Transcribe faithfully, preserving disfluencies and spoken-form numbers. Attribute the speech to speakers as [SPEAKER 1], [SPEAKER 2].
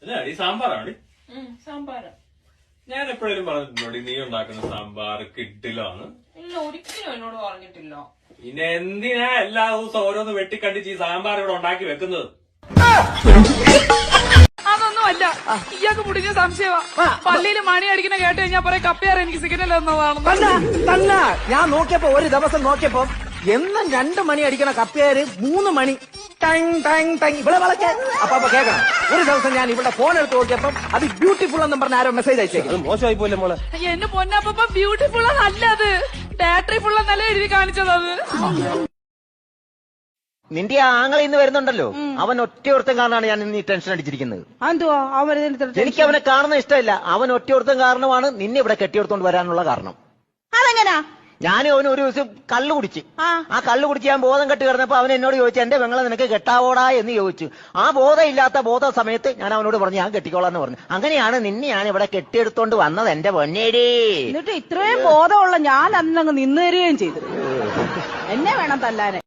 [SPEAKER 1] ഈ സാമ്പാറാണ്
[SPEAKER 2] സാമ്പാറ്.
[SPEAKER 1] ഞാൻ എപ്പോഴും പറഞ്ഞിട്ടുണ്ടോ നീ ഉണ്ടാക്കുന്ന സാമ്പാർ കിട്ടിലാണ്?
[SPEAKER 2] ഇല്ല, ഒരിക്കലും എന്നോട് പറഞ്ഞിട്ടില്ല.
[SPEAKER 1] പിന്നെ എന്തിനാ എല്ലാ ദിവസവും ഓരോന്ന് വെട്ടിക്കണ്ടിച്ച് ഈ സാമ്പാർ ഇവിടെ ഉണ്ടാക്കി വെക്കുന്നത്?
[SPEAKER 3] അതൊന്നും അല്ല, ഇയാൾക്ക് മുടിഞ്ഞ സംശയമാ. പള്ളിയിൽ മണി അടിക്കുന്ന കേട്ട് കഴിഞ്ഞാൽ പറയാം കപ്പയാറ് എനിക്ക് സിഗ്നൽ എന്നതാണ്.
[SPEAKER 4] ഞാൻ നോക്കിയപ്പോ ഒരു ദിവസം നോക്കിയപ്പോ എന്നും രണ്ടു മണി അടിക്കണ കപ്പയാര് മൂന്ന് മണി ടങ് ടങ് ടങ് ഇവിടെ വളക്കെ അപ്പൊ അപ്പൊ കേൾക്കണം. ഒരു ദിവസം ഞാൻ ഇവിടെ ഫോൺ എടുത്ത് നോക്കിയപ്പോ അത് ബ്യൂട്ടിഫുൾ എന്നും പറഞ്ഞ ആരോ മെസ്സേജ് അയച്ചേക്കും. മോശമായി പോലെ മോളെ.
[SPEAKER 3] എന്റെ പൊന്നപ്പ ബ്യൂട്ടിഫുൾ അല്ല, അത് ബാറ്ററി ഫുൾ എന്നല്ല എഴുതി കാണിച്ചത്. അത്
[SPEAKER 4] നിന്റെ ആ ആങ്ങളെ ഇന്ന് വരുന്നുണ്ടല്ലോ, അവൻ ഒറ്റയൊരുത്തം കാരണമാണ് ഞാൻ ഇന്ന് ഈ ടെൻഷൻ അടിച്ചിരിക്കുന്നത്. എനിക്ക് അവനെ കാണുന്ന ഇഷ്ടമില്ല. അവൻ ഒറ്റയൊരുത്തം കാരണമാണ് നിന്നെ ഇവിടെ കെട്ടിയെടുത്തോണ്ട് വരാനുള്ള കാരണം.
[SPEAKER 5] അതെങ്ങനാ?
[SPEAKER 4] ഞാൻ അവന് ഒരു ദിവസം കള്ളു കുടിച്ച് ആ കള്ളു കുടിച്ച് ഞാൻ ബോധം കെട്ടി കിടന്നപ്പോ അവൻ എന്നോട് ചോദിച്ചു, എന്റെ പെങ്ങളെ നിനക്ക് കെട്ടാവോടാ എന്ന് ചോദിച്ചു. ആ ബോധം ഇല്ലാത്ത ബോധ സമയത്ത് ഞാൻ അവനോട് പറഞ്ഞു ഞാൻ കെട്ടിക്കോളാന്ന് പറഞ്ഞു. അങ്ങനെയാണ് നിന്നെ ഞാൻ ഇവിടെ കെട്ടിയെടുത്തോണ്ട് വന്നത് എന്റെ പൊന്നേടി.
[SPEAKER 5] എന്നിട്ട് ഇത്രയും ബോധമുള്ള ഞാൻ അന്നങ്ങ് നിന്നു തരികയും ചെയ്തു. എന്നെ വേണം തല്ലാനെ.